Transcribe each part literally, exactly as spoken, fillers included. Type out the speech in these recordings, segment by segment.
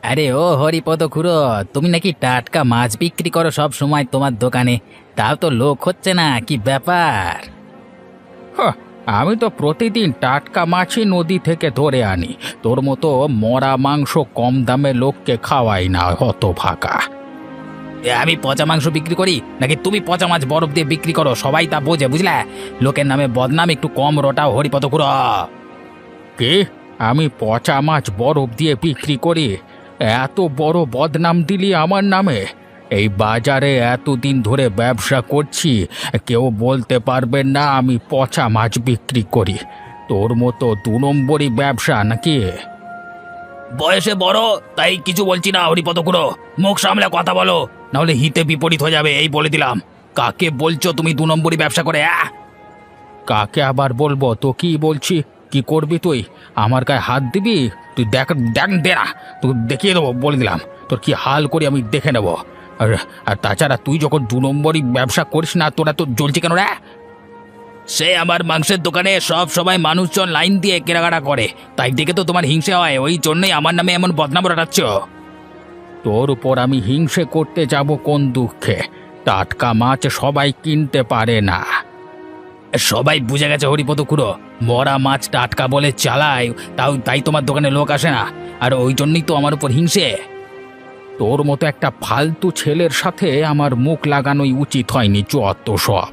আরে ও হরিপদ খুড়ো, তুমি নাকি টাটকা মাছ বিক্রি করো সব সময় তোমার দোকানে? তাও তো লোক হচ্ছে না, কি ব্যাপার? হাহ, আমি তো প্রতিদিন টাটকা মাছই নদী থেকে ধরে আনি। তোর মতো মরা মাংস কম দামে লোককে খাওয়াই না, হত ভাগা। এ, আমি পচা মাংস বিক্রি করি নাকি তুমি পচা মাছ বরফ দিয়ে বিক্রি করো? সবাই তা বোঝে, বুঝলে? লোকের নামে বদনাম, একটু কম রটাও হরিপদ খুড়ো। কে? আমি পচা মাছ বরফ দিয়ে বিক্রি করি? এত বড় বদনাম দিলি আমার নামে? এই বাজারে এতদিন ধরে ব্যবসা করছি, কেউ বলতে পারবে না আমি পচা মাছ বিক্রি করি? তোর মতো দু নম্বরই ব্যবসা নাকি? বয়সে বড় তাই কিছু বলছি না হরিপদ খুড়ো, মুখ সামলে কথা বলো, নাহলে হিতে বিপরীত হয়ে যাবে, এই বলে দিলাম। কাকে বলছো তুমি দু নম্বরই ব্যবসা করে? আহ কাকে আবার বলবো? তো কি বলছি? কি করবি তুই? আমার গায়ে হাত দিবি? তুই দেখ, দেখ দে না, তুই দেখিয়ে দেবো, বলে দিলাম। তোর কি হাল করি আমি দেখে নেবো। আর আর তাছাড়া তুই যখন দু নম্বরই ব্যবসা করিস না, তোরা তো জ্বলছে কেন রে? সে আমার মাংসের দোকানে সব সময় মানুষজন লাইন দিয়ে কেনাকাটা করে, তাই দেখে তো তোমার হিংসে হয়, ওই জন্যই আমার নামে এমন বদনাম রটাচ্ছ। তোর উপর আমি হিংসে করতে যাব কোন দুঃখে? টাটকা মাছ সবাই কিনতে পারে না। সবাই বুঝে গেছে হরিপদ খুড়ো, মরা মাছ টাটকা বলে চালায়, তাও তাই তোমার দোকানে লোক আসে না, আর ওই জন্যই তো আমার উপর হিংসে। তোর মতো একটা ফালতু ছেলের সাথে আমার মুখ লাগানোই উচিত হয়নি, যত সব।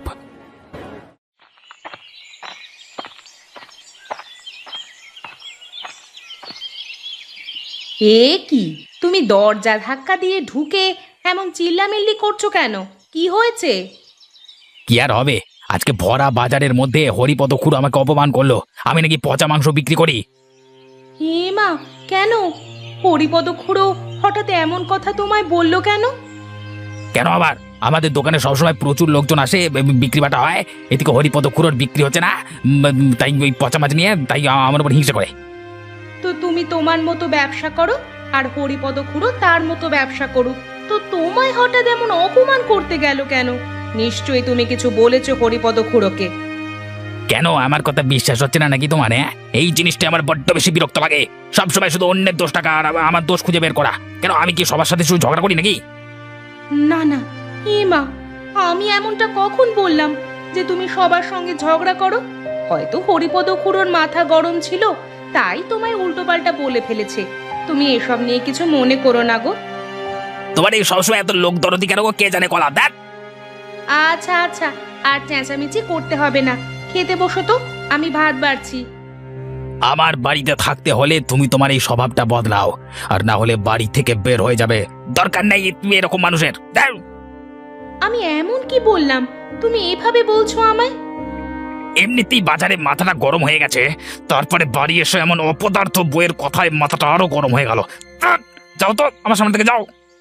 এ কি, তুমি দরজা ধাক্কা দিয়ে ঢুকে এমন চিল্লামিল্লি করছো কেন? কি হয়েছে? কি আর হবে, আজকে ভরা বাজারের মধ্যে হরিপদ খুড়ো আমাকে অপমান করলো, আমি নাকি পচা মাংস বিক্রি করি। হে মা, কেন? হরিপদ খুড়ো হঠাৎ এমন কথা তোমায় বললো কেন? কেন আবার? আমাদের দোকানে সবসময় প্রচুর লোকজন আসে, বি- বিক্রি বাটা হয়, এদিকে হরিপদ খুড়োর বিক্রি হচ্ছে না, উম, তাই ওই পচা মাছ নিয়ে তাই আমার উপর হিংসা করে। তো তুমি তোমার মতো ব্যবসা করো, আর হরিপদ খুড়ো তার মতো ব্যবসা করুক, তো তোমায় হঠাৎ এমন অপমান করতে গেল কেন? নিশ্চয়ই তুমি কিছু বলেছো হরিপদ খুড়োকে। কেন আমার কথা বিশ্বাস হচ্ছে না নাকি তোমার? হ্যাঁ, এই জিনিসটা আমার বড্ড বেশি বিরক্ত লাগে, সবসময় শুধু অন্যের দোষ টাকা আর আমার দোষ খুঁজে বের করা। কেন, আমি কি সবার সাথে শুধু ঝগড়া করি নাকি? না না, হে মা, আমি এমনটা কখন বললাম যে তুমি সবার সঙ্গে ঝগড়া করো? হয়তো হরিপদ খুড়োর মাথা গরম ছিল, তাই তোমায় উল্টোপাল্টা বলে ফেলেছে। তুমি এসব নিয়ে কিছু মনে করো না গো। তোমার এই সবসময় এত লোক দরদি কেন গো? কে জানে কলা দেখ। আচ্ছা আচ্ছা, আর চেঁচামেচি করতে হবে না, খেতে বসো তো, আমি ভাত বাড়ছি। আমার বাড়িতে থাকতে হলে তুমি তোমার এই স্বভাবটা বদলাও, আর না হলে বাড়ি থেকে বের হয়ে যাবে। দরকার নেই তুমি এরকম মানুষের। দেখ, আমি এমন কি বললাম তুমি এভাবে বলছো আমায়? এমনিতেই বাজারে মাথাটা গরম হয়ে গেছে, তারপরে বাড়ি এসে এমন অপদার্থ বইয়ের কথায় মাথাটা আরো গরম হয়ে গেল। ধ্যাৎ, যাও তো আমার সামনে থেকে যাও।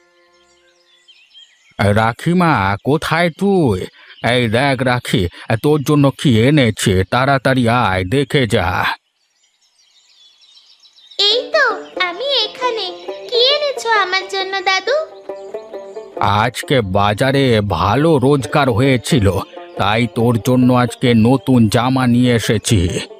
রাখিমা, কোথায় তুই? এই দেখ রাখি, তোর জন্য কি এনেছে, তাড়াতাড়ি আয়, দেখে যা। এই তো আমি এখানে। কি এনেছো আমার জন্য দাদু? আজকে বাজারে ভালো রোজগার হয়েছিল, তাই তোর জন্য আজকে নতুন জামা নিয়ে এসেছি।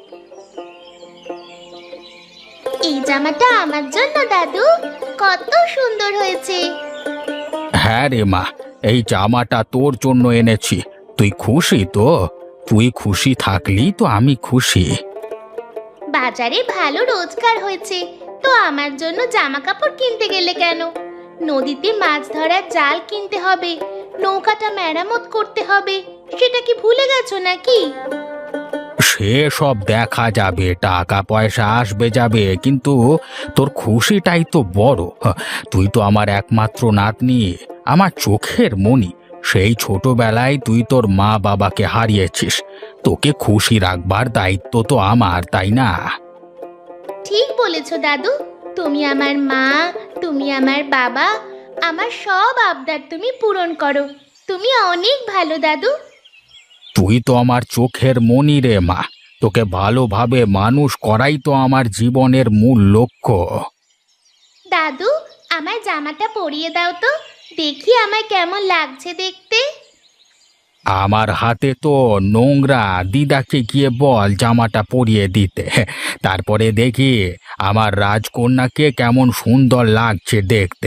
এই জামাটা আমার জন্য দাদু? কত সুন্দর হয়েছে। হ্যাঁ রে মা, এই জামাটা তোর জন্য এনেছি। তুই খুশি তো? তুই খুশি থাকলি তো আমি খুশি। বাজারে ভালো রোজগার হয়েছে, তো আমার জন্য জামা কাপড় কিনতে গেলে কেন? নদীতে মাছ ধরার জাল কিনতে হবে, নৌকাটা মেরামত করতে হবে, সেটা কি ভুলে গেছো নাকি? সে সব দেখা যাবে, টাকা পয়সা আসবে যাবে, কিন্তু তোর খুশিটাই তো বড়। হ্যাঁ, তুই তো আমার একমাত্র নাতনি, আমার চোখের মণি। সেই ছোটবেলায় তুই তোর মা বাবাকে হারিয়েছিস, তোকে খুশি রাখবার দায়িত্ব তো আমার, তাই না? ঠিক বলেছো দাদু, তুমি আমার মা, তুমি আমার বাবা, আমার সব আবদার তুমি পূরণ করো। তুমি অনেক ভালো দাদু। তুই তো আমার চোখের মণি রে মা, তোকে ভালোভাবে মানুষ করাই তো আমার জীবনের মূল লক্ষ্য। দাদু, আমার জামাটা পরিয়ে দাও তো, দেখি আমায় কেমন লাগছে দেখতে। আমার হাতে তো নোংরা, দিদাকে গিয়ে বল জামাটা পরিয়ে দিতে। তারপরে দেখি আমার রাজকন্যাকে কেমন সুন্দর লাগছে দেখতে।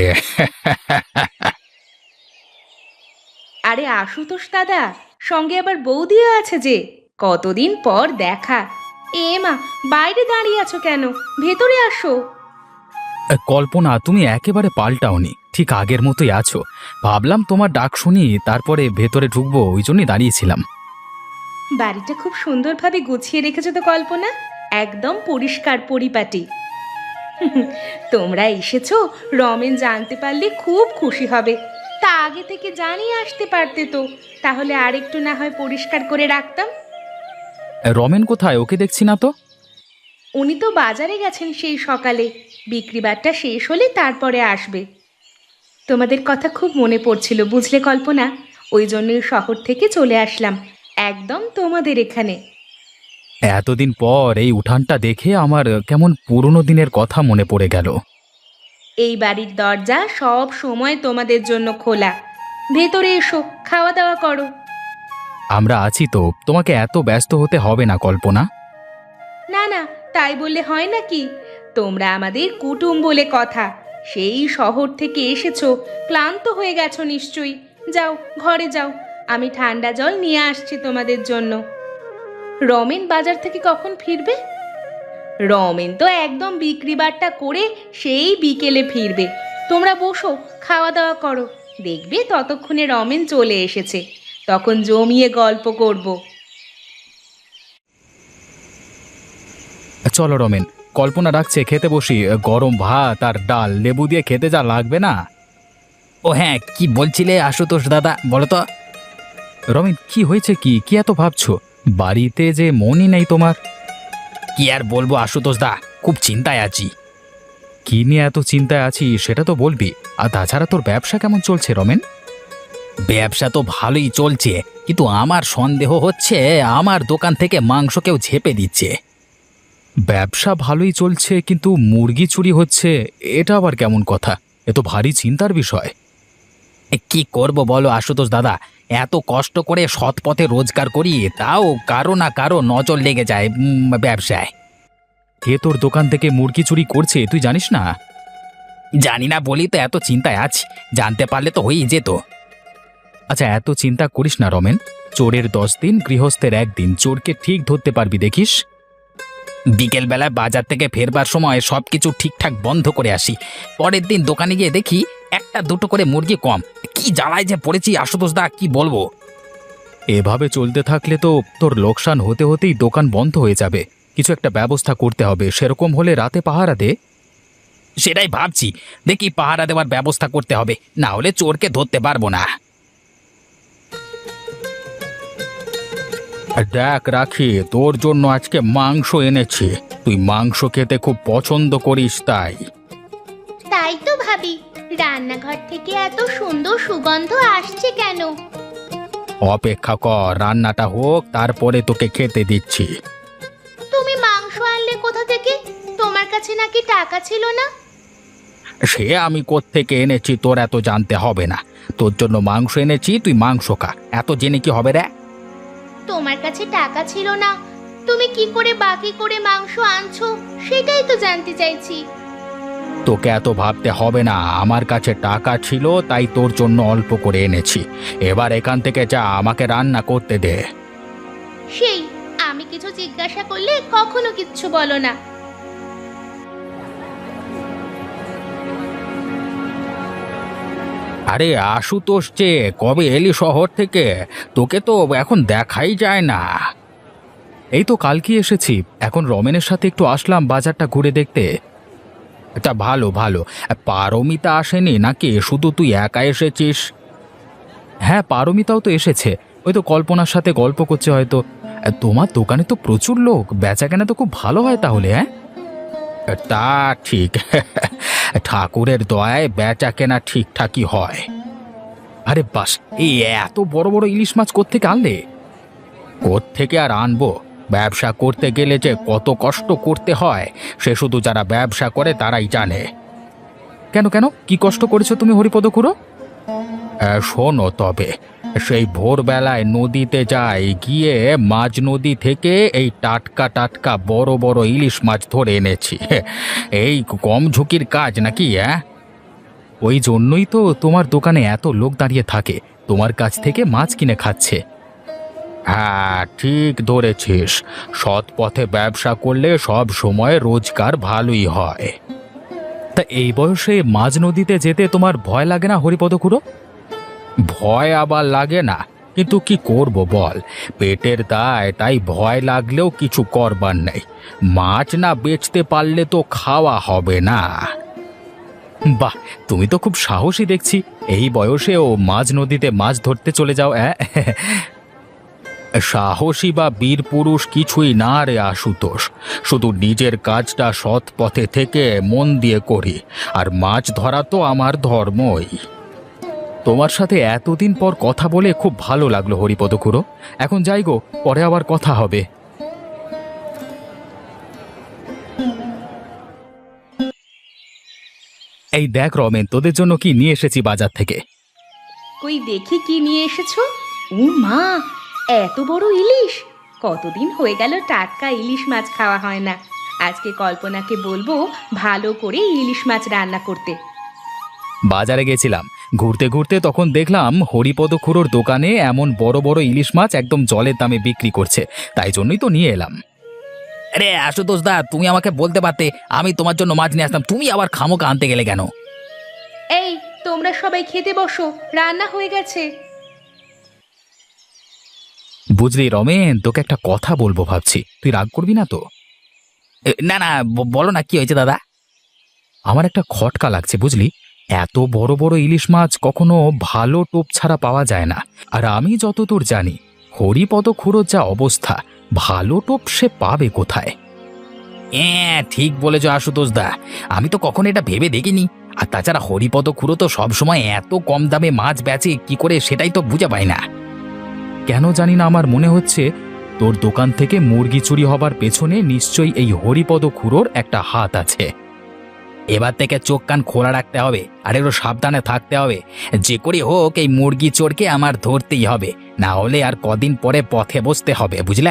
আরে আশুতোষ দাদা, সঙ্গে আবার বৌদিও আছে যে, কতদিন পর দেখা। এ মা, বাইরে দাঁড়িয়ে আছো কেন? ভেতরে আসো। কল্পনা, তুমি একেবারে পাল্টাওনি, ঠিক আগের মতোই আছো। ভাবলাম তোমার ডাক শুনি, তারপরে ভেতরে ঢুকবো, ওই জন্যই দাঁড়িয়েছিলাম। বাড়িটা খুব সুন্দরভাবে গুছিয়ে রেখেছো তো কল্পনা, একদম পরিষ্কার পরিপাটি। তোমরা এসেছো, রমেন জানতে পারলে খুব খুশি হবে। তা আগে থেকে জানিয়ে আসতে পারতে তো, তাহলে আর একটু না হয় পরিষ্কার করে রাখতাম। রমেন কোথায়? ওকে দেখছি না তো। উনি তো বাজারে গেছেন সেই সকালে, বিক্রিবারটা শেষ হলে তারপরে আসবে। তোমাদের কথা খুব মনে পড়ছিল বুঝলে কল্পনা, ওই জন্যই শহর থেকে চলে আসলাম একদম তোমাদের এখানে। এতদিন পর এই উঠানটা দেখে আমার কেমন পুরনো দিনের কথা মনে পড়ে গেল। এই বাড়ির দরজা সব সময় তোমাদের জন্য খোলা। ভেতরে এসো, খাওয়া দাওয়া করো। আমরা আছি তো, তোমাকে এত ব্যস্ত হতে হবে না কল্পনা। না না, তাই বললে হয় নাকি? তোমরা আমাদের কুটুম বলে কথা। সেই শহর থেকে এসেছো, ক্লান্ত হয়ে গেছো নিশ্চয়ই। যাও ঘরে যাও, আমি ঠান্ডা জল নিয়ে আসছি তোমাদের জন্য। রমেন বাজার থেকে কখন ফিরবে? রমেন তো একদম বিক্রিবারটা করে সেই বিকেলে ফিরবে। তোমরা বসো, খাওয়া দাওয়া করো, দেখবে ততক্ষণে রমেন চলে এসেছে। তখন জমিয়ে গল্প করব। চলো রমেন, কল্পনা ডাকছে, খেতে বসি। গরম ভাত আর ডাল লেবু দিয়ে খেতে যা লাগবে না। ও হ্যাঁ, কি বলছিলে আশুতোষ দাদা, বলো তো। রমেন, কি হয়েছে? কি কি এত ভাবছো? বাড়িতে যে মনই নেই তোমার। কি আর বলবো আশুতোষ দা, খুব চিন্তায় আছি। কি নিয়ে এত চিন্তায় আছি সেটা তো বলবি। আর তাছাড়া তোর ব্যবসা কেমন চলছে রমেন? ব্যবসা তো ভালোই চলছে, কিন্তু আমার সন্দেহ হচ্ছে আমার দোকান থেকে মাংস কেউ ঝেপে দিচ্ছে। ব্যবসা ভালোই চলছে, কিন্তু মুরগি চুরি হচ্ছে, এটা আবার কেমন কথা? এ তো ভারী চিন্তার বিষয়। এ, কি করব বলো আশুতোষ দাদা, এত কষ্ট করে সৎ পথে রোজগার করি, তাও কারো না কারো নজর লেগে যায় উম, ব্যবসায়। কে তোর দোকান থেকে মুরগি চুরি করছে তুই জানিস না? জানি না বলি তো এত চিন্তায় আছি, জানতে পারলে তো হয়েই যেত। আচ্ছা, এত চিন্তা করিস না রমেন। চোরের দশ দিন, গৃহস্থের একদিন। চোরকে ঠিক ধরতে পারবি দেখিস। বিকেলবেলায় বাজার থেকে ফেরবার সময় সব কিছু ঠিকঠাক বন্ধ করে আসি। পরের দিন দোকানে গিয়ে দেখি একটা দুটো করে মুরগি কম। কি জ্বালায় যে পড়েছি আশুতোষ দা, কি বলবো। এভাবে চলতে থাকলে তো তোর লোকসান হতে হতেই দোকান বন্ধ হয়ে যাবে। কিছু একটা ব্যবস্থা করতে হবে। সেরকম হলে রাতে পাহারা দে। সেটাই ভাবছি, দেখি পাহারা দেওয়ার ব্যবস্থা করতে হবে, না হলে চোরকে ধরতে পারবো না। দেখ রাখি, তোর জন্য আজকে মাংস এনেছি। তুই মাংস খেতে খুব পছন্দ করিস তাই। তাই তো ভাবি, রান্নাঘর থেকে এত সুন্দর সুগন্ধ আসছে কেন? অপেক্ষা কর, রান্নাটা হোক, তারপরে তোকে খেতে দিচ্ছি। তুমি মাংস আনলে কোথা থেকে? তোমার কাছে নাকি টাকা ছিল না? সে আমি কোত্থেকে এনেছি তোর এত জানতে হবে না। তোর জন্য মাংস এনেছি, তুই মাংস খা। এত জেনে কি হবে রে? তোমার কাছে টাকা ছিল না, তুমি কি করে বাকি করে মাংস আনছো সেটাই তো জানতে চাইছি। তোকে এত ভাবতে হবে না, আমার কাছে টাকা ছিল তাই তোর জন্য অল্প করে এনেছি। এবার এখান থেকে যা, আমাকে রান্না করতে দে। সেই আমি কিছু জিজ্ঞাসা করলে কখনো কিচ্ছু বলো না। আরে আশুতোষ, যে কবে এলি শহর থেকে? তোকে তো এখন দেখাই যায় না। এই তো কালকে এসেছি। এখন রমেনের সাথে একটু আসলাম বাজারটা ঘুরে দেখতে। এটা ভালো ভালো। পারমিতা আসেনি নাকি? শুধু তুই একা এসেছিস? হ্যাঁ, পারমিতাও তো এসেছে। ওই তো কল্পনার সাথে গল্প করছে হয়তো। তোমার দোকানে তো প্রচুর লোক, বেচাকেনা তো খুব ভালো হয় তাহলে। হ্যাঁ, তা ঠিক। ঠাকুরের দয়ায় বেচা কেনা ঠিকঠাকই হয়। আরে বাস, এই এত বড় বড় ইলিশ মাছ কোত্থেকে আনলে? কোত্থেকে আর আনবো? ব্যবসা করতে গেলে যে কত কষ্ট করতে হয় সে শুধু যারা ব্যবসা করে তারাই জানে। কেন কেন কি কষ্ট করেছো তুমি হরিপদ খুড়ো? শোনো তবে, সেই ভোরবেলায় নদীতে যায়, গিয়ে মাঝ নদী থেকে এই টাটকা টাটকা বড় বড় ইলিশ মাছ ধরে এনেছি। এই কম ঝুঁকির কাজ নাকি? হ্যাঁ, ওই জন্যই তো তোমার দোকানে এত লোক দাঁড়িয়ে থাকে, তোমার কাছ থেকে মাছ কিনে খাচ্ছে। হ্যাঁ, ঠিক ধরেছিস। সৎ পথে ব্যবসা করলে সব সময় রোজগার ভালোই হয়। তা এই বয়সে মাঝ নদীতে যেতে তোমার ভয় লাগে না হরিপদ খুড়ো? ভয় আবার লাগে না, কিন্তু কি করব বল, পেটের দায়, তাই ভয় লাগলেও কিছু করবার নেই। মাছ না বেচতে পারলে তো খাওয়া হবে না। বাহ, তুমি তো খুব সাহসী দেখছি, এই বয়সেও মাঝ নদীতে মাছ ধরতে চলে যাও। অ্যাঁ সাহসী বা বীর পুরুষ কিছুই না রে আশুতোষ, শুধু নিজের কাজটা সৎ পথে থেকে মন দিয়ে করি, আর মাছ ধরা তো আমার ধর্মই। তোমার সাথে এতদিন পর কথা বলে খুব ভালো লাগলো হরিপদ খুড়ো। এখন যাই গো, পরে আবার কথা হবে। এই দেখ রমেন, তোদের জন্য কি নিয়ে এসেছি বাজার থেকে। কই দেখি কি নিয়ে এসেছো? ও মা, এত বড় ইলিশ! কতদিন হয়ে গেল টাটকা ইলিশ মাছ খাওয়া হয় না। আজকে কল্পনাকে বলবো ভালো করে ইলিশ মাছ রান্না করতে। বাজারে গেছিলাম, ঘুরতে ঘুরতে তখন দেখলাম হরিপদ খুড়োর দোকানে এমন বড় বড় ইলিশ মাছ একদম জলের দামে বিক্রি করছে, তাই জন্যই তো নিয়ে এলাম। আরে আশুতোষ দা, তুমি আমাকে বলতে পারতে, আমি তোমার জন্য মাছ নিয়ে আসতাম। তুমি আবার খামোকা আনতে গেলে কেন? এই, তোমরা সবাই খেতে বসো, রান্না হয়ে গেছে। বুঝলি রমেন, তোকে একটা কথা বলবো ভাবছি, তুই রাগ করবি না তো? এ, না না, ব- বলো না, কি হয়েছে দাদা? আমার একটা খটকা লাগছে বুঝলি, এত বড় বড় ইলিশ মাছ কখনো ভালো টোপ ছাড়া পাওয়া যায় না। আর আমি যতদূর জানি, হরিপদ খুড়োর যা অবস্থা, ভালো টোপ সে পাবে কোথায়? হ্যাঁ, ঠিক বলেছ আশুতোষ দা, আমি তো কখনো এটা ভেবে দেখিনি। আর তাছাড়া হরিপদ খুড়ো তো সবসময় এত কম দামে মাছ বেচে কি করে, সেটাই তো বুঝে পাই না। কেন জানি না, আমার মনে হচ্ছে তোর দোকান থেকে মুরগি চুরি হবার পেছনে নিশ্চয়ই এই হরিপদ খুড়োর একটা হাত আছে। এবার থেকে চোখ কান খোলা রাখতে হবে, আর একটু সাবধানে থাকতে হবে। যে করে হোক এই মুরগি চোরকে আমার ধরতেই হবে, না হলে আর কদিন পরে পথে বসতে হবে, বুঝলে?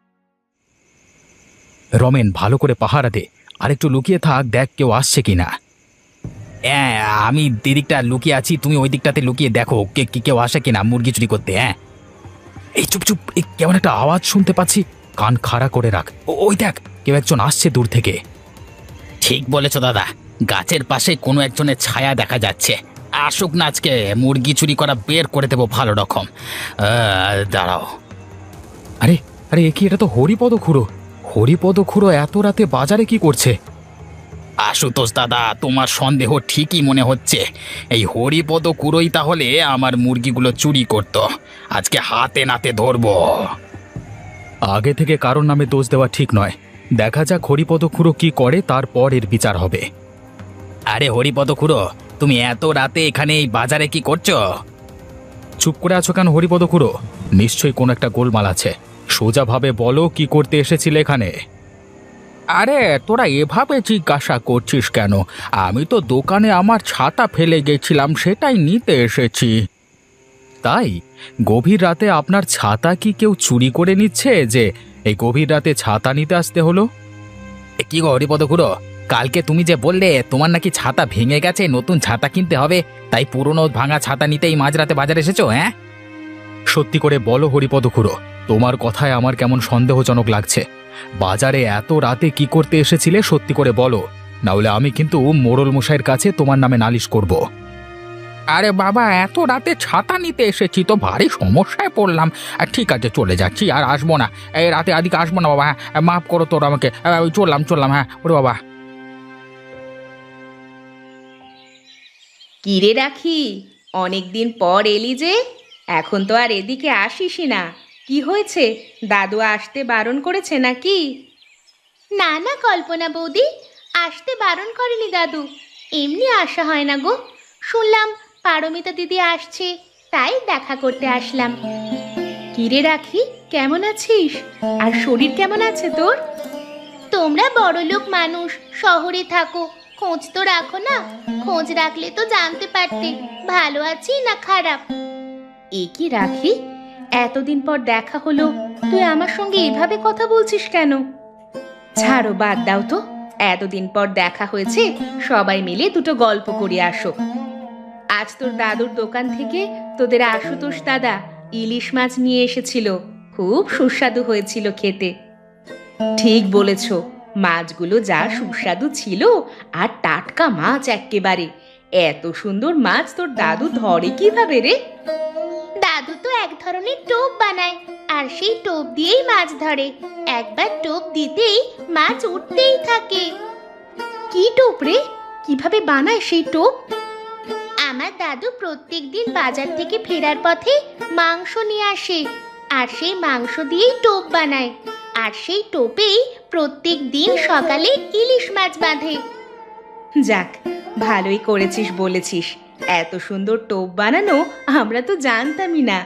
রমেন, ভালো করে পাহারা দে, আর একটু লুকিয়ে থাক, দেখ কেউ আসছে কিনা। হ্যাঁ, আমি দিদিকটা লুকিয়ে আছি, তুমি ওই দিকটাতে লুকিয়ে দেখো কে কি কেউ আসে কিনা মুরগি চুরি করতে। হ্যাঁ, এই চুপ চুপ, এই কেমন একটা আওয়াজ শুনতে পাচ্ছি, কান খাড়া করে রাখ। ও- ওই দেখ, কেউ একজন আসছে দূর থেকে। ঠিক বলেছ দাদা, গাছের পাশে কোনো একজনের ছায়া দেখা যাচ্ছে। আসুক না, আজকে মুরগি চুরি করা বের করে দেবো ভালো রকম। আহ, দাঁড়াও। আরে আরে, এ কি, এটা তো হরিপদ খুড়ো। হরিপদ খুড়ো এত রাতে বাজারে কি করছে? আশুতোষ দাদা, তোমার সন্দেহ ঠিকই মনে হচ্ছে। এই হরিপদ কুড়োই তাহলে আমার মুরগিগুলো চুরি করত। আজকে হাতে নাতে ধরবো। আগে থেকে কারোর নামে দোষ দেওয়া ঠিক নয়, দেখা যাক হরিপদ খুড়ো কি করে, তারপর এর বিচার হবে। আরে হরিপদ খুড়ো, তুমি এত রাতে এখানে এই বাজারে কি করছো? চুপ করে আছো কেন হরিপদ খুড়ো? নিশ্চয়ই কোনো একটা গোলমাল আছে, সোজাভাবে বলো কি করতে এসেছিলে এখানে? আরে তোরা এভাবে জিজ্ঞাসা করছিস কেন? আমি তো দোকানে আমার ছাতা ফেলে গেছিলাম, সেটাই নিতে এসেছি। তাই? গভীর রাতে আপনার ছাতা কি কেউ চুরি করে নিচ্ছে যে এই গভীর রাতে ছাতা নিতে আসতে হলো? এ কি গো হরিপদ খুড়ো, কালকে তুমি যে বললে তোমার নাকি ছাতা ভেঙে গেছে, নতুন ছাতা কিনতে হবে, তাই পুরনো ভাঙা ছাতা নিতেই মাঝরাতে বাজারে এসেছো? হ্যাঁ, সত্যি করে বলো হরিপদ খুড়ো, তোমার কথায় আমার কেমন সন্দেহজনক লাগছে। বাজারে এত রাতে কি করতে এসেছিলে সত্যি করে বলো, নাহলে আমি কিন্তু মোড়ল মশাইয়ের কাছে তোমার নামে নালিশ করব। আরে বাবা, এত রাতে ছাতা নিতে এসেছি তো ভারী সমস্যায় পড়লাম। আর ঠিক আছে, চলে যাচ্ছি, আর আসবো না, এই রাতে আদিকে আসবো না বাবা। হ্যাঁ, মাফ করো তোর আমাকে, ওই চললাম চললাম। হ্যাঁ ওরে বাবা। কিরে রাখি, অনেকদিন পর এলি যে, এখন তো আর এদিকে আসিসই না। কি হয়েছে, দাদু আসতে বারণ করেছে নাকি? না না কল্পনা বৌদি, আসতে বারণ করেনি দাদু, এমনি আসা হয় না গো। শুনলাম পারমিতা দিদি আসছে, তাই দেখা করতে আসলাম। কিরে রাখি, কেমন আছিস? আর শরীর কেমন আছে তোর? তোমরা বড়লোক মানুষ, শহরে থাকো, খোঁজ তো রাখো না। খোঁজ রাখলে তো জানতে পারতে ভালো আছি না খারাপ। এ কি রাখি, এতদিন পর দেখা হলো, তুই আমার সঙ্গে এভাবে কথা বলছিস কেন? ছাড়ো, বাদ দাও তো। এতদিন পর দেখা হয়েছে, সবাই মিলে দুটো গল্প করে আসো। আজ তোর দাদুর দোকান থেকে তোদের আশুতোষ দাদা ইলিশ মাছ নিয়ে এসেছিল, খুব সুস্বাদু হয়েছিল খেতে। ঠিক বলেছ, মাছগুলো যা সুস্বাদু ছিল, আর টাটকা মাছ এক্কেবারে। এত সুন্দর মাছ তোর দাদু ধরে কিভাবে রে? দাদু তো এক ধরনের টোপ বানায়, আর সেই টোপ দিয়েই মাছ ধরে। একবার টোপ দিতেই মাছ উঠতেই থাকে। কি টোপ রে? কিভাবে বানায় সেই টোপ? আমার দাদু প্রত্যেকদিন বাজার থেকে ফেরার পথে মাংস নিয়ে আসে, আর সেই মাংস দিয়েই টোপ বানায়। আর সেই টোপেই প্রত্যেক দিন সকালে ইলিশ মাছ বাঁধে। যাক, ভালোই করেছিস বলেছিস। এত সুন্দর টোপ বানানো আমরা তো জানতামই না।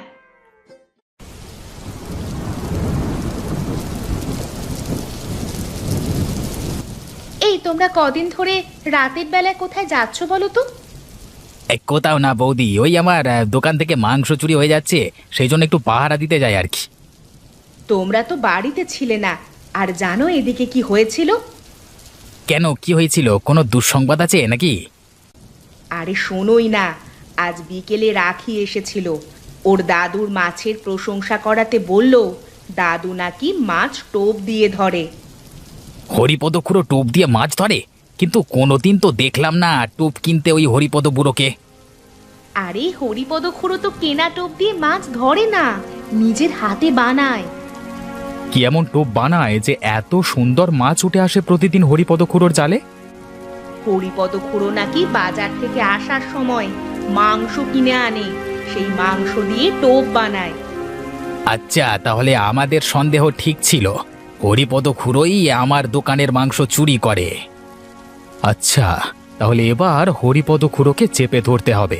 এই, তোমরা কদিন ধরে রাতের বেলায় কোথায় যাচ্ছ বলো তো? এই কোথাও না বৌদি, ওই আমার আহ, দোকান থেকে মাংস চুরি হয়ে যাচ্ছে, সেই জন্য একটু পাহারা দিতে যাই আর কি। তোমরা তো বাড়িতে ছিলে না, আর জানো এদিকে কি হয়েছিল? কেন, কি হয়েছিল? কোনো দুঃসংবাদ আছে নাকি? আরে শোনোই না, আজ বিকেলে রাখি এসেছিল। ওর দাদুর মাছের প্রশংসা করাতে বলল দাদু নাকি মাছ টোপ দিয়ে ধরে। হরিপদ খুড়ো টোপ দিয়ে মাছ ধরে? কিন্তু কোনোদিন তো দেখলাম না টোপ কিনতে ওই হরিপদ বুড়োকে। আরে হরিপদ খুড়ো তো কেনা টোপ দিয়ে মাছ ধরে না, নিজের হাতে বানায়। কি এমন টোপ বানায় যে এত সুন্দর মাছ উঠে আসে প্রতিদিন হরিপদ খুড়োর জালে? হরিপদ খুড়ো নাকি বাজার থেকে আসার সময় মাংস কিনে আনে, সেই মাংস দিয়ে টোপ বানায়। আচ্ছা, তাহলে আমাদের সন্দেহ ঠিক ছিল, হরিপদ খুড়োই আমার দোকানের মাংস চুরি করে। আচ্ছা, তাহলে এবার হরিপদ খুড়োকে চেপে ধরতে হবে।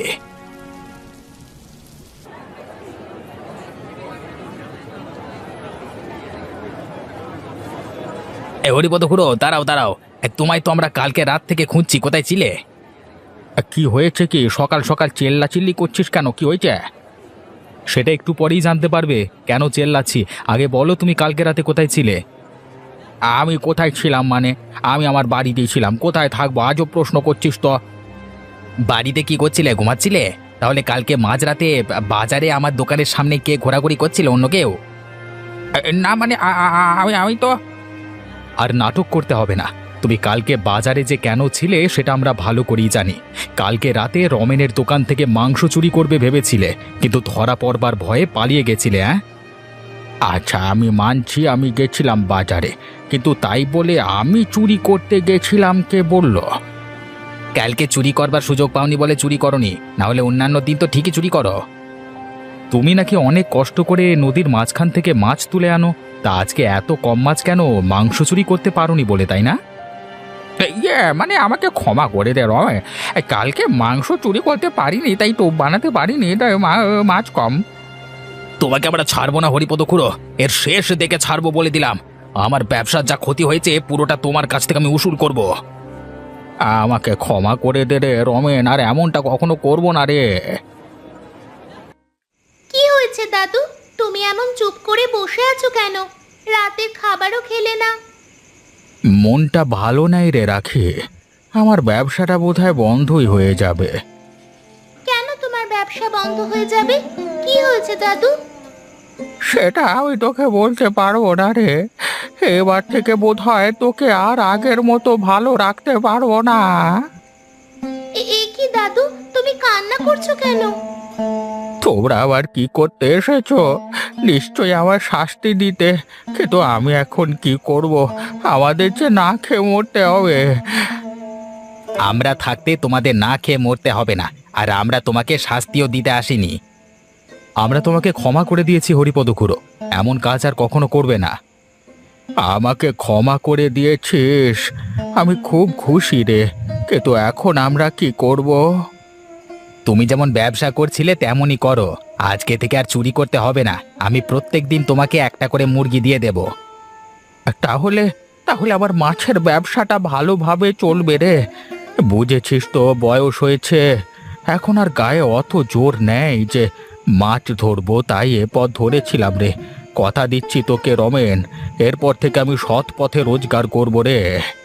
এ হরিপদ খুড়ো, দাঁড়াও দাঁড়াও, এ, তোমায় তো আমরা কালকে রাত থেকে খুঁজছি, কোথায় ছিলে? কি হয়েছে? কি সকাল সকাল চেল্লা চিল্লি করছিস কেন? কি হয়েছে? সেটা একটু পরেই জানতে পারবে। কেন চেল্লাচ্ছি, আগে বলো তুমি কালকে রাতে কোথায় ছিলে? আমি কোথায় ছিলাম মানে? আমি আমার বাড়িতেই ছিলাম, কোথায় থাকবো? আজও প্রশ্ন করছিস তো। বাড়িতে কি করছিলে, ঘুমাচ্ছিলে? তাহলে কালকে মাঝরাতে বাজারে আমার দোকানের সামনে কে ঘোরাঘুরি করছিল, অন্য কেউ? না মানে আমি আমি তো। আর নাটক করতে হবে না, তুমি কালকে বাজারে যে কেন ছিলে সেটা আমরা ভালো করেই জানি। কালকে রাতে রমেনের দোকান থেকে মাংস চুরি করবে ভেবেছিলে, কিন্তু ধরা পড়বার ভয়ে পালিয়ে গেছিলে। হ্যাঁ, আচ্ছা আমি মানছি আমি গেছিলাম বাজারে, কিন্তু তাই বলে আমি চুরি করতে গেছিলাম কে বলল? কালকে চুরি করবার সুযোগ পাওনি বলে চুরি করনি, না হলে অন্যান্য দিন তো ঠিকই চুরি করো। তুমি নাকি অনেক কষ্ট করে নদীর মাঝখান থেকে মাছ তুলে আনো, তা আজকে এত কম মাছ কেন? মাংস চুরি করতে পারোনি বলে, তাই না? ইয়ে মানে আমাকে ক্ষমা করে দে রয়, কালকে মাংস চুরি করতে পারিনি, তাই টোপ বানাতে পারিনি, তাই মাছ কম। তোমাকে আমরা ছাড়বো না হরিপদ খুড়ো, এর শেষ দেখে ছাড়বো বলে দিলাম। আমার ব্যবসার যা ক্ষতি হয়েছে পুরোটা তোমার কাছ থেকে আমি উসুল করব। আমাকে ক্ষমা করে দে রে রমেন, আর এমনটা কখনো করবো না রে। কি হয়েছে দাদু, তুমি এমন চুপ করে বসে আছো কেন? রাতের খাবারও খেলে না। মনটা ভালো নাই রে রাখি, আমার ব্যবসাটা বোধহয় বন্ধই হয়ে যাবে। কেন তোমার ব্যবসা বন্ধ হয়ে যাবে? কি হয়েছে দাদু? সেটা আমি তোকে বলতে পারবো না রে, এবার থেকে বোধহয় তোকে আর আগের মতো ভালো রাখতে পারবো না। এ- এ কি দাদু, তুমি কান্না করছো কেন? তোমরা আবার কি করতে এসেছো? নিশ্চয়ই আমার শাস্তি দিতে, কিন্তু আমি এখন কি করব? আমাদের যে না খেয়ে মরতে হবে। আমরা থাকতে তোমাদের না খেয়ে মরতে হবে না, আর আমরা তোমাকে শাস্তিও দিতে আসিনি। আমরা তোমাকে ক্ষমা করে দিয়েছি হরিপদ খুড়ো, এমন কাজ আর কখনো করবে না। আমাকে ক্ষমা করে দিয়েছিস, আমি খুব খুশি রে, কিন্তু এখন আমরা কি করব? তুমি যেমন ব্যবসা করছিলে তেমনই করো, আজকে থেকে আর চুরি করতে হবে না। আমি প্রত্যেক দিন তোমাকে একটা করে মুরগি দিয়ে দেব। তাহলে তাহলে আমার মাছের ব্যবসাটা ভালোভাবে চলবে রে। বুঝেছিস তো, বয়স হয়েছে, এখন আর গায়ে অত জোর নেই যে মাছ ধরবো তাই এ পথ ধরেছিলাম রে। কথা দিচ্ছি তোকে রমেন, এরপর থেকে আমি সৎ পথে রোজগার করবো রে।